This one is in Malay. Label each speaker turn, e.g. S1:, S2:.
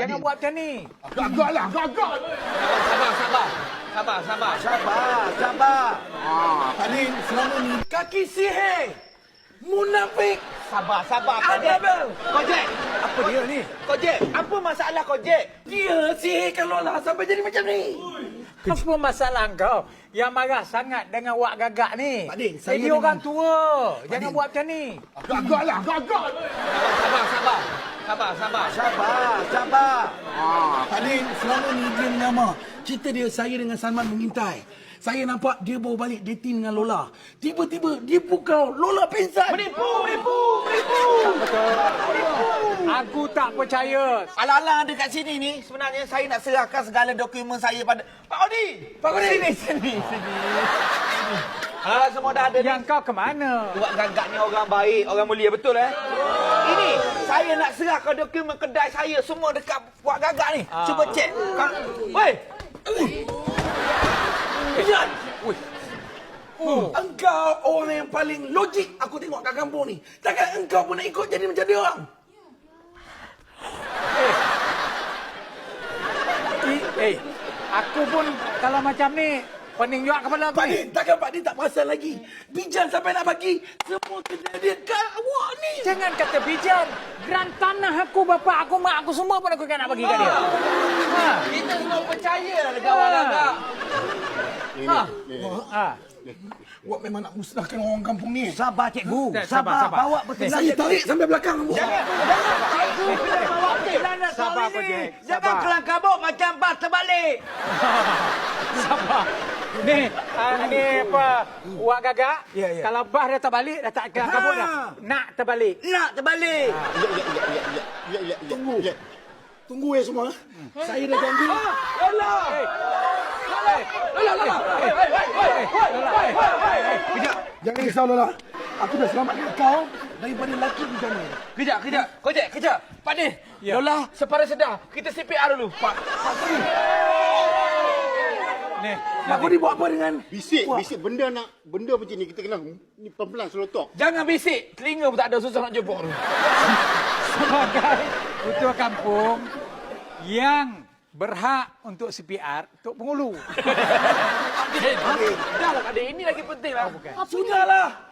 S1: Jangan buat macam ni.
S2: Agak-agak lah, agak-agak.
S3: Sabar.
S2: Pak Din, selama ni kaki sihir. Munafik.
S3: Sabar,
S2: Abel.
S3: Kojek,
S1: Apa dia ni?
S3: Kojek, apa masalah Kojek?
S2: Dia sihirkan Lola sampai jadi macam ni.
S1: Apa masalah kau yang marah sangat dengan wak gagak ni?
S2: Pak Din, saya
S1: Dia
S2: dengan-
S1: orang tua. Jangan
S2: Din.
S1: buat macam ni.
S2: Agak-agak lah, agak-agak.
S3: Sabar.
S2: Pak Din, selama ni dia menyamar. Cerita dia, saya dengan Salman mengintai. Saya nampak dia bawa balik dating dengan Lola. Tiba-tiba dia pukau. Lola pingsan.
S3: Menipu.
S1: Aku tak percaya.
S3: Alang-alang ada kat sini ni, sebenarnya saya nak serahkan segala dokumen saya pada Pak Odi.
S2: Pak Odi.
S3: Sini. Ah, semua dah ada.
S1: Yang kau ke mana?
S3: Buat gagak ni orang baik, orang mulia, betul Ini, saya nak serahkan dokumen kedai saya semua dekat buat gagak ni. Cuba cek. Woi,
S2: Bijan. Engkau orang yang paling logik aku tengok kat kampung ni. Takkan engkau pun nak ikut jadi macam dia orang?
S1: Aku pun kalau macam ni pening juga kepala aku
S2: Pak
S1: ni.
S2: Din, takkan Pak Din tak perasan lagi? Bijan sampai nak bagi semua kejadian kat awak ni.
S1: Jangan kata bijan. Geran tanah aku, bapa aku, mak aku semua pun aku kan nak bagi kat dia.
S3: kita semua percaya lah dekat orang gagak.
S2: Awak memang nak musnahkan orang kampung ni.
S3: Sabar cikgu,
S1: Sabar.
S3: bawa betul.
S2: Saya tarik sampai belakang.
S3: Jangan. Cikgu kena bawa kelana
S1: Sabar,
S3: kau ini.
S1: Kojek.
S3: Jangan
S1: Sabar.
S3: kelang kabut macam bas terbalik.
S1: Sabar. Ni apa? Wak gagak.
S2: Ya.
S1: Kalau bah dah terbalik, dah tak kelang kabut dah. Nak terbalik.
S3: Nak terbalik.
S2: Tunggu semua. Saya dah janji. Kejap. Jangan risau Lola. Aku dah selamatkan kau daripada lelaki di sana.
S3: Kejap. Kejap. Pak Din,
S1: Ya.
S3: Lola separa sedar. Kita CPR dulu.
S2: Pak
S1: Ni.
S2: Aku ni buat apa dengan...
S4: Bisik benda macam ni kita kena ni pelan-pelan selotok.
S3: Jangan bisik. Telinga pun tak ada, susah nak jemput tu.
S1: Sebagai ketua kampung yang berhak untuk CPR, Tok Pengulu.
S3: Dah lah Pak Din, ini lagi penting lah.
S2: Sudahlah.